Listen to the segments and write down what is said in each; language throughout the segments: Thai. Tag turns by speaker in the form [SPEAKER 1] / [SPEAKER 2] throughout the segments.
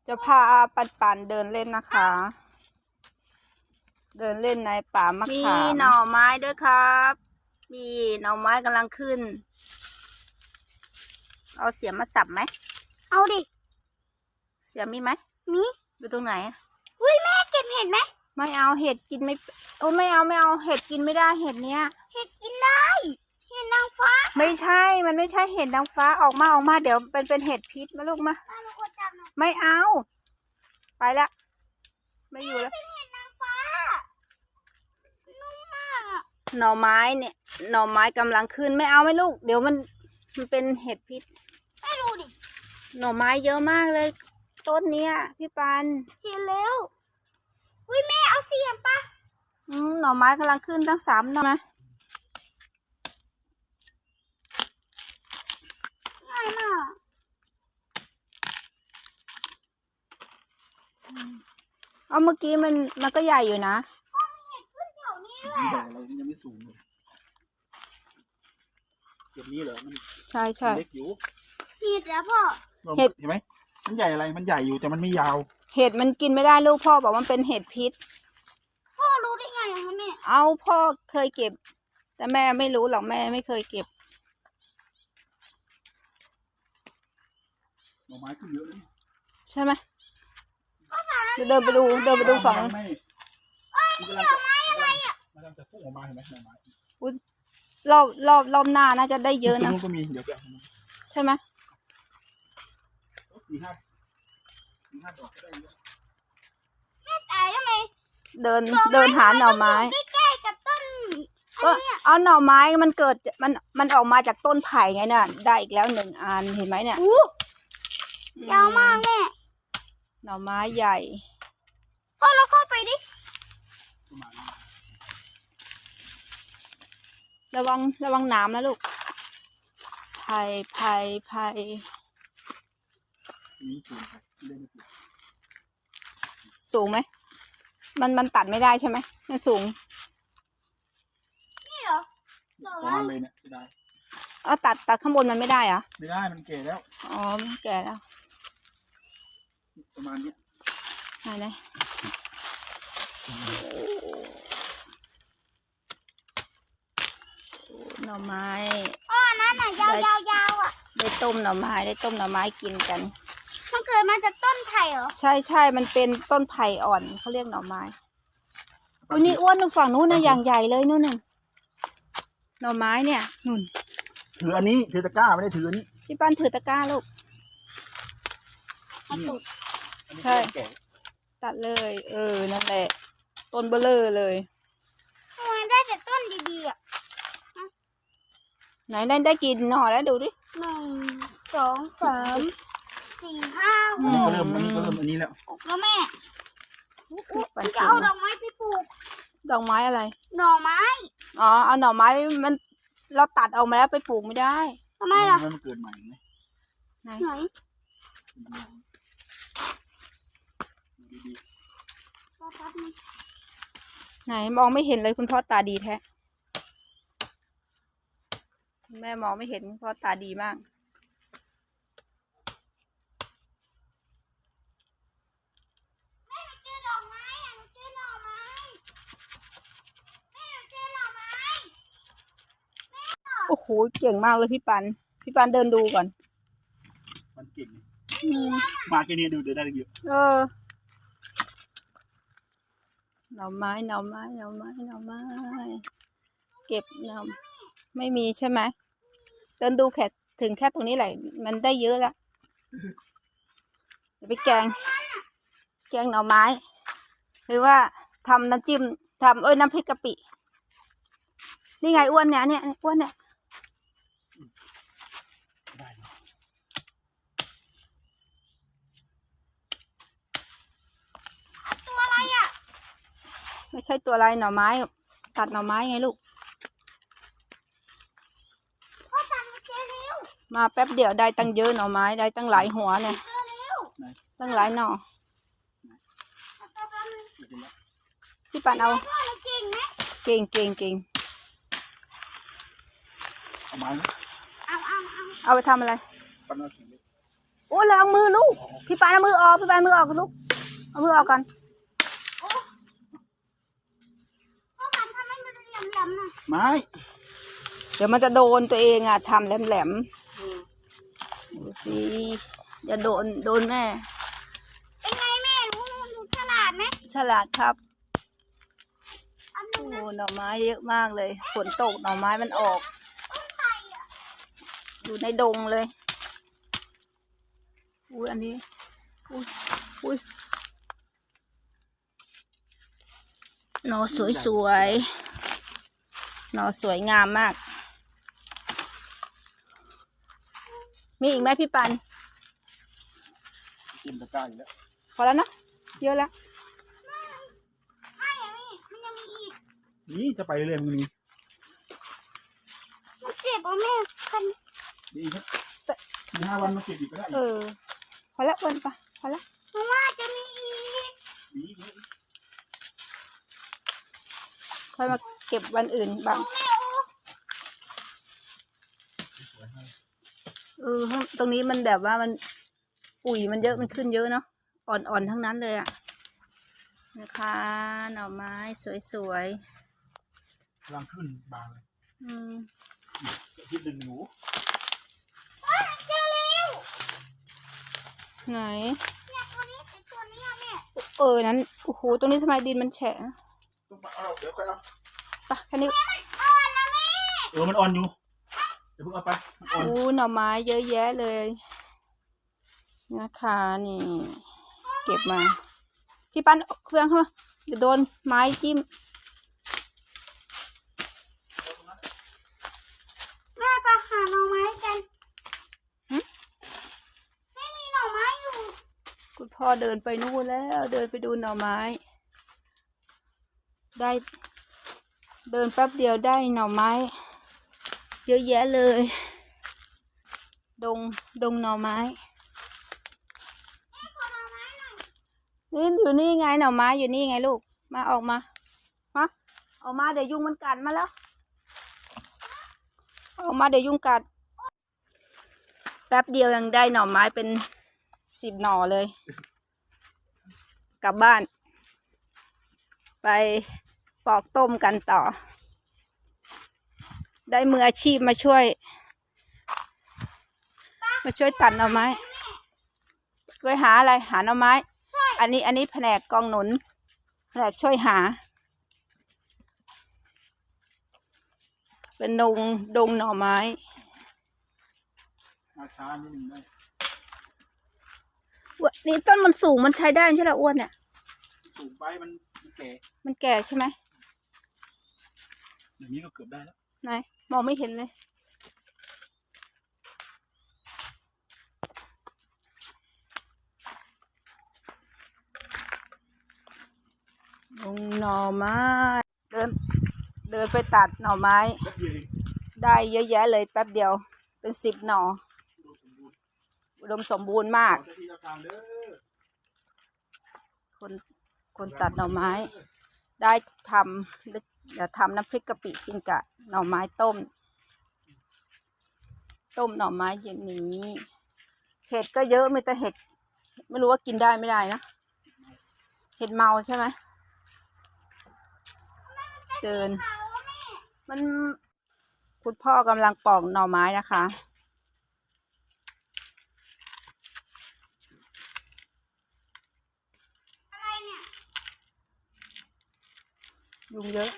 [SPEAKER 1] จะพาปันเดินเล่นนะคะ เดินเล่นในป่ามะขามมีหน่อไม้ด้วยครับนี่หน่อไม้กำลังขึ้นเอาเสียมมาสับไหม
[SPEAKER 2] เอาดิ
[SPEAKER 1] เสียมมีไหม
[SPEAKER 2] มี
[SPEAKER 1] อยู่ตรงไหน
[SPEAKER 2] อุ้ยแม่เก็บเห็ดไหม
[SPEAKER 1] ไม่เอาเห็ดกินไม่โอ้ไม่เอาเห็ดกินไม่ได้เห็ดเนี้ย
[SPEAKER 2] เห็ดกินได้เห็ดนางฟ้า
[SPEAKER 1] ไม่ใช่มันไม่ใช่เห็ดนางฟ้าออกมาเดี๋ยวเป็นเห็ดพิษมาลูกมาไม่เอาไปละไม่อยู่แล้ว
[SPEAKER 2] เป็นเห็ดนางฟ้านุ่มมากอ่ะ
[SPEAKER 1] หน่อไม้เนี่ยหน่อไม้กำลังขึ้นไม่เอาไม่ลูกเดี๋ยวมันเป็นเห็ดพิษ
[SPEAKER 2] ไม่รู้ดิ
[SPEAKER 1] หน่อไม้เยอะมากเลยต้นเนี้ยพี่ปัน
[SPEAKER 2] เห็นแล้วอุ้ยแม่เอาเสียมปะ
[SPEAKER 1] หน่อไม้กำลังขึ้นตั้ง3หน่อไหม
[SPEAKER 2] ง่ายมาก
[SPEAKER 1] เอาเมื่อกี้มันก็ใหญ่อยู่นะ
[SPEAKER 2] พ่อมีเห็ดขึ้นแถวนี้ด้วย
[SPEAKER 3] ใหญ่เรายังไม่สูงเลยเก็บนี้เหรอมัน
[SPEAKER 1] ใช่
[SPEAKER 3] เล็กอยู่
[SPEAKER 2] เห็ดแล้วพ่อ
[SPEAKER 3] เห็นไหมมันใหญ่อะไรมันใหญ่อยู่แต่มันไม่ยาว
[SPEAKER 1] เห็ดมันกินไม่ได้ลูกพ่อบอกมันเป็นเห็ดพิษ
[SPEAKER 2] พ่อรู้ได้ไงอะแม่
[SPEAKER 1] เอาพ่อเคยเก็บแต่แม่ไม่รู้หรอกแม่ไม่เคยเก็บ
[SPEAKER 3] หน่อไม้ขึ้นเยอะเลย
[SPEAKER 1] ใช่ไหมเดินไปดูฝั่ง
[SPEAKER 3] มันจะพุ่งออกมาเห็นไหมหน่อไม้
[SPEAKER 1] รอบหน้าน่าจะได้เยอะนะ
[SPEAKER 3] ก็มีเดี๋ยว
[SPEAKER 1] ใช่ไหม
[SPEAKER 3] 4-5 ดอกก็ได้เยอะ
[SPEAKER 2] แม่ตายทำไม
[SPEAKER 1] เดินหาหน่อไม้
[SPEAKER 2] ใกล้ๆกับต้น
[SPEAKER 1] ก็เอาหน่อไม้มันเกิดมันออกมาจากต้นไผ่ไงน่ะได้อีกแล้ว1 อันเห็นไหมเนี่ย
[SPEAKER 2] ยาวมากแม่
[SPEAKER 1] หน่อไม้ใหญ่
[SPEAKER 2] พ่อเราเข้าไปดิ
[SPEAKER 1] ระวังน้ำนะลูกไผ่สูงไหมมันตัดไม่ได้ใช่ไหมมันสูง
[SPEAKER 2] นี่เหรอ
[SPEAKER 3] ประมาณเลยเนี่ยได้
[SPEAKER 1] เอาตัดข้างบนมันไม่ได้เหรอ
[SPEAKER 3] ไม่ได้มันแก่แล้ว
[SPEAKER 1] อ๋อมันแก่แล้ว
[SPEAKER 3] ประมาณนี้
[SPEAKER 1] ไหนหน่อไม้
[SPEAKER 2] นั่นน่ะยาวอ่ะ
[SPEAKER 1] ได้ต้มหน่อไม้กินกัน
[SPEAKER 2] มันเกิดมาจากต้นไผ่เหรอ
[SPEAKER 1] ใช่มันเป็นต้นไผ่อ่อนเขาเรียกหน่อไม้อุ้ยนี่อ้วนฝั่งนู้นนะอย่างใหญ่เลยนู่นน่ะหน่อไม้เนี่ยนู่น
[SPEAKER 3] ถืออันนี้ถือตะกร้าไม่ได้ถืออันนี้
[SPEAKER 1] พี่ปั้นถือตะกร้าลูกใช่ตัดเลยนั่นแหละต้นเบลอเลย
[SPEAKER 2] มันได้แต่ต้นดีๆอ่ะ
[SPEAKER 1] ไหนได้กินหน่อแล้วดูดิ
[SPEAKER 2] 1 2 3 4 5
[SPEAKER 3] อันนี้ก็เริ่มอันนี้แล้ว
[SPEAKER 2] แม่จะเอาดอกไม้ไปปลูก
[SPEAKER 1] ดอกไม้อะไร
[SPEAKER 2] หน่อไม้
[SPEAKER 1] อ๋อเอาหน่อไม้มันเราตัดออกมาแล้วไปปลูกไม่ได้
[SPEAKER 2] ทำไมล่ะ
[SPEAKER 3] มันเกิดใหม่ไหม
[SPEAKER 2] ไหน
[SPEAKER 1] ไหนมองไม่เห็นเลยคุณพ่อตาดีแท้แม่มองไม่เห็นคุณพ่อตาดีมากโอ้โหเก่งมากเลยพี่ปันเดินดูก่อน
[SPEAKER 3] มันเก่งมาแค่นี้ดูได้เยอะ
[SPEAKER 1] หน่อไม้เก็บไม่มีใช่ไหมเดินดูถึงแค่ตรงนี้แหละมันได้เยอะแล้วจะไปแกงหน่อไม้หรือว่าทำน้ำจิ้มน้ำพริกกะปินี่ไงอ้วนเนี่ยอ้วนเนี่ย
[SPEAKER 2] ตัวอะไรอ่ะ
[SPEAKER 1] ไม่ใช่ตัวอะไรหน่อไม้ตัดหน่อไม้ไงลูก
[SPEAKER 2] พ่อตัดมาเจอเร็ว
[SPEAKER 1] มาแป๊บเดียวได้ตั้งเยอะหน่อไม้ได้ตั้งหลายหัวเนี่ยตั้งหลายหน่อพี่ปันเอาเก่ง
[SPEAKER 3] เอาไม้
[SPEAKER 1] เอาไปทำอะไรอ้ล้างมือลูกพี่ปานเอามือออกพี่ปานมือออกลูกเอามือออกก่อน
[SPEAKER 2] พ่อทำให้มันแหลมๆหน่อย
[SPEAKER 3] ไม้
[SPEAKER 1] เดี๋ยวมันจะโดนตัวเองอ่ะทำแหลมๆดูสิอย่าโดนแม่
[SPEAKER 2] เป็นไงแม่หนูฉลาดไหม
[SPEAKER 1] ฉลาดครับ
[SPEAKER 2] อัน
[SPEAKER 1] โอ้
[SPEAKER 2] นึงนะ
[SPEAKER 1] หน่อไม้เยอะมากเลยฝนตกหน่อไม้มันออก
[SPEAKER 2] ไข่อะ
[SPEAKER 1] อยู่ในดงเลยอุ้ยอันนี้อุ้ยหน่อสวยๆหน่อสวยงามมาก มีอีกไหมพี่ปัน
[SPEAKER 3] กินตะกร้าอยู่แล้ว
[SPEAKER 1] พอแล้วเนาะเยอะแล้ว
[SPEAKER 2] ไม่อะแม่มันยังมีอีก
[SPEAKER 3] นี่จะไปเรื่อยๆมึงนี่
[SPEAKER 2] มันเจ็บอ่ะแม่คัน
[SPEAKER 3] ดีครับมี5 วันมาเก็บอีกก็ได้
[SPEAKER 1] พอแล้วอ้วนปะพอแล้ว
[SPEAKER 2] หนูว่าจะมีอีก
[SPEAKER 3] ดี
[SPEAKER 1] ค่อยมาเก็บวันอื่นบ้าง
[SPEAKER 2] แม่
[SPEAKER 1] ตรงนี้มันแบบว่ามันปุ๋ยมันเยอะมันขึ้นเยอะเนาะอ่อนทั้งนั้นเลยอะนะคะหน่อไม้สวย
[SPEAKER 3] กำลังขึ้นบางเลย
[SPEAKER 1] ๆ
[SPEAKER 3] คิดหนึ่งหนู
[SPEAKER 2] เจอแล้ว
[SPEAKER 1] ไหน
[SPEAKER 2] เนี่ยตัวนี้ไอ้ตัวนี้อะแม่
[SPEAKER 1] นั้นโอ้โหตรงนี้ทำไมดินมันแฉะ
[SPEAKER 3] ต้องมาเอาเดี๋ยวค่อยเอา
[SPEAKER 1] ปะแค่นี้
[SPEAKER 2] อ่อนนะแม่
[SPEAKER 3] มันอ่อนอยู่เดี๋ยวเพิ่งเอาไปมันอ่อน
[SPEAKER 1] หน่อไม้เยอะแยะเลยนะคะนี่ เก็บมาพี่ปั้นเอาเครื่องเข้ามาเดี๋ยวโดนไม้จิ้ม
[SPEAKER 2] แม่ไปหาหน่อไม้กันไม่มีหน่อไม้อยู่
[SPEAKER 1] คุณพ่อเดินไปนู่นแล้วเดินไปดูหน่อไม้ ได้เดินแป๊บเดียวได้หน่อไม้ เยอะแยะเลย ดงหน่อไม้
[SPEAKER 2] ขอหน่อไม้หน่อย
[SPEAKER 1] นี่อยู่นี่ไงหน่อไม้อยู่นี่ไงลูกมาออกมาออกมาเดี๋ยวยุงมันกัดมาแล้วออกมาเดี๋ยวยุงกัดแป๊บเดียวยังได้หน่อไม้เป็น10 หน่อเลย กลับบ้าน ไปปอกต้มกันต่อ ได้มืออาชีพมาช่วยตัดหน่อไม้ไปหาอะไรหาหน่อไม้ อันนี้แผนกกองหนุนแผนกช่วยหา เป็นดงหน่อไม้
[SPEAKER 3] มาช้านิดนึงได้
[SPEAKER 1] นี่ต้นมันสูงมันใช้ได้ใช่ไหมอ้วนเนี่ย
[SPEAKER 3] สูงไปมันแก่
[SPEAKER 1] มันแก่ใช่ไหม
[SPEAKER 3] อย่างนี้ก็เกือบได้แล้ว
[SPEAKER 1] ไหนมองไม่เห็นเลยดงหน่อไม้เดินไปตัดหน่อไม้
[SPEAKER 3] แป๊บเดียวเอง
[SPEAKER 1] ได้เยอะแยะเลยแป๊บเดียวเป็น10 หน่อ อุดมสมบูรณ์มาก
[SPEAKER 3] ขอเจ้าที่เจ้าทางเด้อ
[SPEAKER 1] คนตัดหน่อไม้ ได้เดี๋ยวทำน้ำพริกกะปิกินกับหน่อไม้ต้มหน่อไม้เย็นนี้เห็ดก็เยอะมีแต่เห็ดไม่รู้ว่ากินได้ไม่ได้นะเห็ดเมาใช่ไหมเดินมันคุณพ่อกำลังปอกหน่อไม้นะคะ
[SPEAKER 2] อะไรเนี่ย
[SPEAKER 1] ยุงเยอะ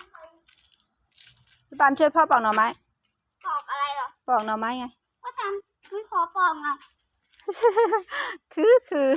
[SPEAKER 1] พี่ปานช่วยพ่อปอกหน่อไม้
[SPEAKER 2] ปอกอะไรเหรอ
[SPEAKER 1] ปอกหน่อไม้ไง
[SPEAKER 2] พ่อทำไม่ขอปอกอ่ะ
[SPEAKER 1] คือ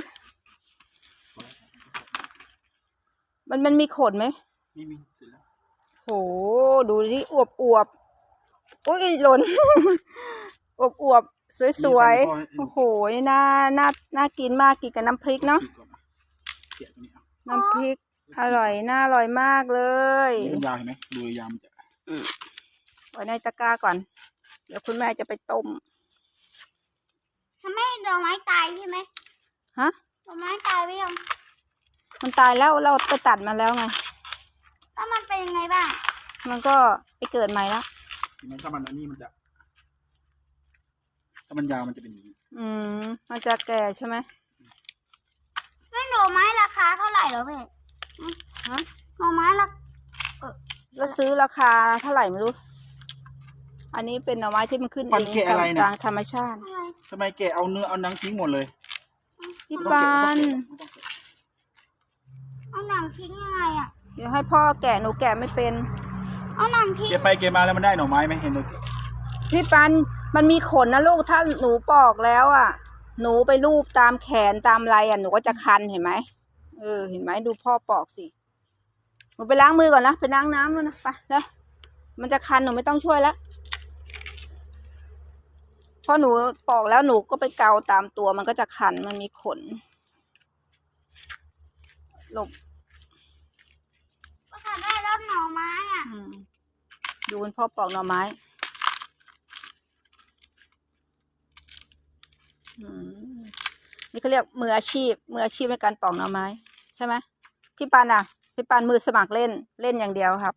[SPEAKER 1] มันมีขนไหม
[SPEAKER 3] มีเสร็จแล้ว
[SPEAKER 1] โหดูสิอวบอุ้ยหล่น อวบสวยๆโอ้โหน่ากินมากกินกับน้ำพริกเนาะ
[SPEAKER 3] เสียตรงนี้เอา
[SPEAKER 1] น้ำพริกอร่อยน่าอร่อยมากเลย
[SPEAKER 3] นี่มันยาวเห็นไหมดูยาวมันจะ
[SPEAKER 1] ไว้ในตะกร้าก่อน เดี๋ยวคุณแม่จะไปต้ม
[SPEAKER 2] ทำให้ดอกไม้ตายใช่ไหม
[SPEAKER 1] ฮะ
[SPEAKER 2] ดอกไม้ตายไปยัง
[SPEAKER 1] มันตายแล้วเราไปตัดมาแล้วไง
[SPEAKER 2] แล้วมันเป็นยังไงบ้าง
[SPEAKER 1] มันก็ไปเกิดใหม่แล้ว
[SPEAKER 3] เห็นไหมถ้ามันอันนี้มันจะถ้ามันยาวมันจะเป็นอย่างนี้
[SPEAKER 1] มันจะแก่ใช่ไหม
[SPEAKER 2] แม่หน่อไม้ราคาเท่าไหร่เหรอแม่
[SPEAKER 1] ฮะ
[SPEAKER 2] หน่อไม้ละ
[SPEAKER 1] แล้วซื้อราคาเท่าไหร่ไม่รู้ อันนี้เป็นหน่อไม้ที่มันขึ้น
[SPEAKER 3] มัน
[SPEAKER 1] เอง
[SPEAKER 3] แกะอะไร
[SPEAKER 1] ตา
[SPEAKER 3] นะ
[SPEAKER 1] มธรรมชาติ
[SPEAKER 2] อะไร
[SPEAKER 3] ทำไมแกเอาเนื้อเอาหนังทิ้งหมดเลย
[SPEAKER 1] พี่
[SPEAKER 3] ไม่ต้อง
[SPEAKER 1] ปา
[SPEAKER 3] แกะ
[SPEAKER 1] น
[SPEAKER 3] ไม่ต้องแกะ
[SPEAKER 2] เอาหนังทิ้งยังไงอ่ะ
[SPEAKER 1] เดี๋ยวให้พ่อแกะหนูแกะไม่เป็น
[SPEAKER 2] เอาหนังทิ้ง
[SPEAKER 3] แกะไปแกะมาแล้วมันได้หน่อไม้ไหมเห็นเลย
[SPEAKER 1] พี่ปันมันมีขนนะลูกถ้าหนูปอกแล้วอ่ะ หนูไปลูบตามแขนตามอะไรอ่ะหนูก็จะคันเห็นไหมเห็นไหมดูพ่อปอกสิหนูไปล้างมือก่อนนะไปล้างน้ำแล้วนะไปแล้วมันจะคันหนูไม่ต้องช่วยแล้วพอหนูปอกแล้วหนูก็ไปเกาตามตัวมันก็จะคันมันมีขนหลบ
[SPEAKER 2] ก็ทำได้แล้วหน่อไม้อ่ะ
[SPEAKER 1] ดูคุณพ่อปอกหน่อไม้นี่เขาเรียกมืออาชีพในการปอกหน่อไม้ใช่ไหมพี่ปานอ่ะพี่ปานมือสมัครเล่นอย่างเดียวครับ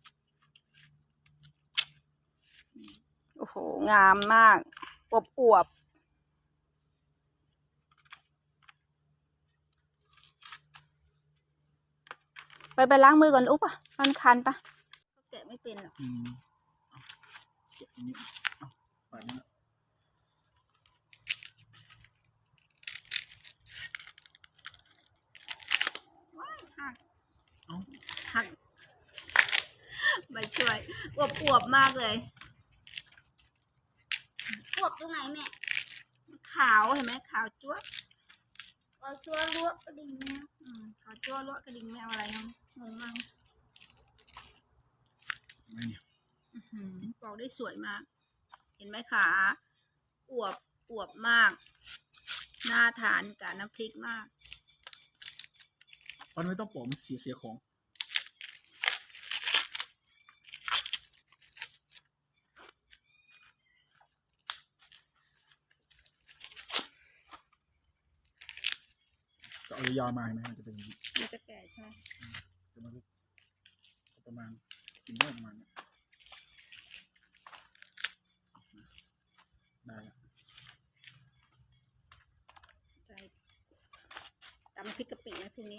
[SPEAKER 1] โอ้โหงามมากอวบไปล้างมือก่อนอุ๊บอ่ะมันคันปะแกะไม่เป็นหรอก
[SPEAKER 3] แกะอันนี้เอาปาดนี้
[SPEAKER 1] หักไม่ช่วยอวบมากเลย
[SPEAKER 2] พวกตรงไหนแม่
[SPEAKER 1] ขาวเห็นไหมขาวจั๊วะ
[SPEAKER 2] เอาชัวร์ลวกกระดิ่งแมว
[SPEAKER 1] ขาวจั๊วะลวกกระดิ่งแมวอะไรเนาะงงมาก
[SPEAKER 3] ไม่เนี่ย
[SPEAKER 1] ปอกได้สวยมาก เห็นไหมขาอวบมาก น่าทานกับน้ำพริกมาก
[SPEAKER 3] มันไม่ต้องปอกมันเสียของก็เอายาวมาเห็นไหมมันจะเป็นอย่างนี้
[SPEAKER 1] มันจะแก่ใช่ไหม
[SPEAKER 3] แต่มันก็ประมาณกินได้ประมาณนี้ได้แล้ว
[SPEAKER 1] ใช่ตำพริกกะปินะพรุ่งนี้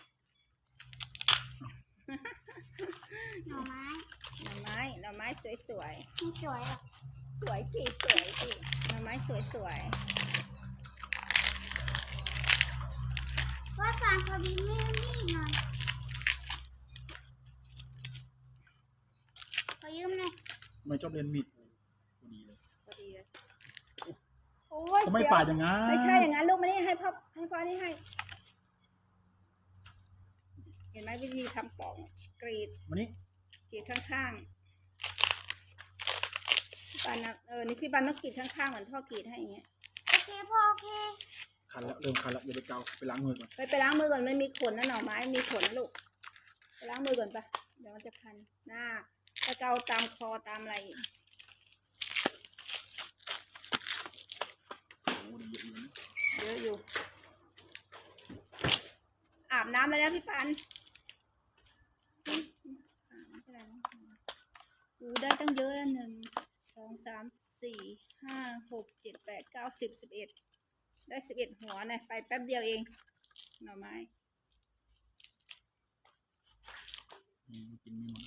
[SPEAKER 2] หน่อไม้
[SPEAKER 1] หน่อไม้สวย
[SPEAKER 2] ไม่สวยหรอก
[SPEAKER 1] ๆสวยสิหน่อไม้สวย
[SPEAKER 2] ว่าสารพอดีไม่นี่หน่อยขอยืมหน่อย
[SPEAKER 3] ไม่ชอบเล่นมีดพอดีเลย
[SPEAKER 1] พอดีเลยโอ้ย
[SPEAKER 3] เขาไม่ปาดอย่างนั้น
[SPEAKER 1] ไม่ใช่อย่างนั้นลูกไม่ได้ให้พ่อนี่ให้ เห็นไหมวิธีทำปอกกรีด
[SPEAKER 3] วันนี้
[SPEAKER 1] ข้างๆพี่ปันนะนี่พี่ปันต้องกรีดข้างๆเหมือนพ่อกรีดให้อย่างเงี้ย
[SPEAKER 2] โอเคพ่อโอเค
[SPEAKER 3] คันแล้วเริ่มคันแล้วอย่าไปเกาไปล้างมือก่อน
[SPEAKER 1] ไปล้างมือก่อนมันมีขนนะหน่อไม้มีขนนะลูกไปล้างมือก่อนปะเดี๋ยวมันจะคันหน้าตะเกาตามคอตามอะไรอีก
[SPEAKER 3] โอ้โหเยอะอยู่นะ
[SPEAKER 1] เยอะอยู่ อาบน้ำเลยนะพี่ปันไม่เป็นไรนะดูได้ตั้งเยอะแล้ว1 2 3 4 5 6 7 8 9 10 11ได้11หัวนะไปแป๊บเดียวเองหน่อไม้
[SPEAKER 3] กินไม่หมด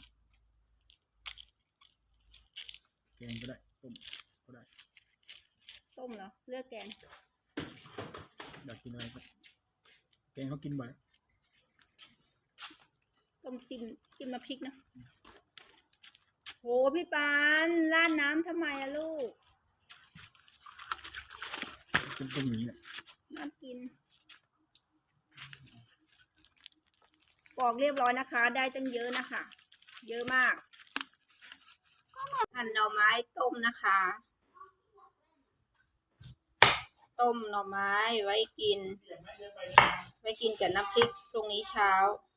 [SPEAKER 3] แกงก็ได้ต้มก็ได้
[SPEAKER 1] ต้มเหรอเลือกแกง
[SPEAKER 3] อยากกินอะไรก็แกงเขากินบ่อย
[SPEAKER 1] ต้มจิ้มน้ำพริกนะโหพี่ปานราดน้ำทำไมอะลูก
[SPEAKER 3] เป็นต้มอย่างนี้แหละ
[SPEAKER 1] น่ากินปอกเรียบร้อยนะคะ ได้ตั้งเยอะนะคะ เยอะมากหั่นหน่อไม้ต้มนะคะ ต้มหน่อไม้ไว้กินกับน้ำพริกตรงนี้เช้า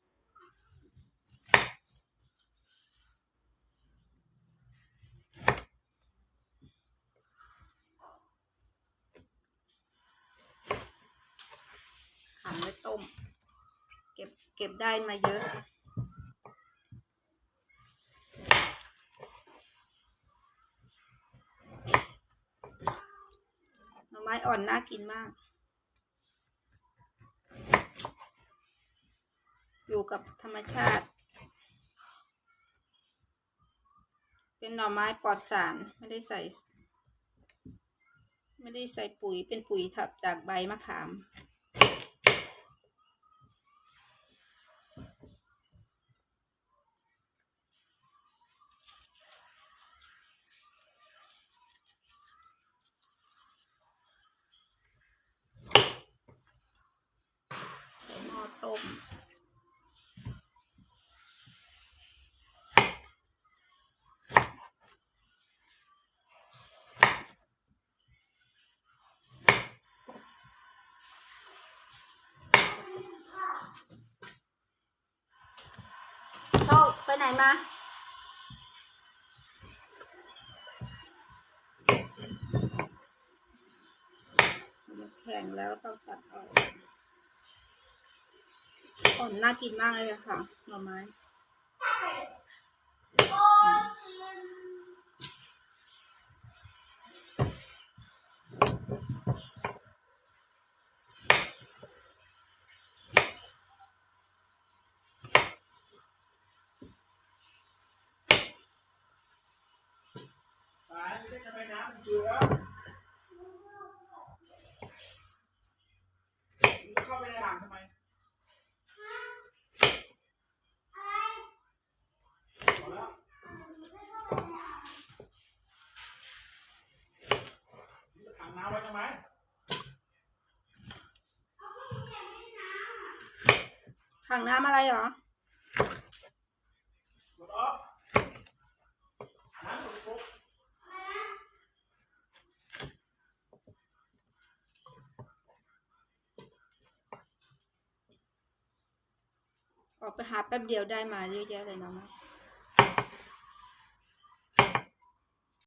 [SPEAKER 1] หั่นไว้ต้ม เก็บได้มาเยอะม้อ่อนน่ากินมาก อยู่กับธรรมชาติ เป็นหน่อไม้ปลอดสารไม่ได้ใส่ปุ๋ยเป็นปุ๋ยถับจากใบมะขามใส่หม้อต้มโชคไปไหนมาแข็งแล้วต้องตัดออกอ่อนน่ากินมากเลยค่ะหน่อไม้
[SPEAKER 3] เข้าไปในอ่างทำไมพอแล้วถังน้ำไว้ทำไม
[SPEAKER 1] ถังน้ำอะไรเหรอ
[SPEAKER 3] หมดออกน้ำหมดปุ๊บ
[SPEAKER 1] ออกไปหาแป๊บเดียวได้มาเยอะแยะเลยเนาะ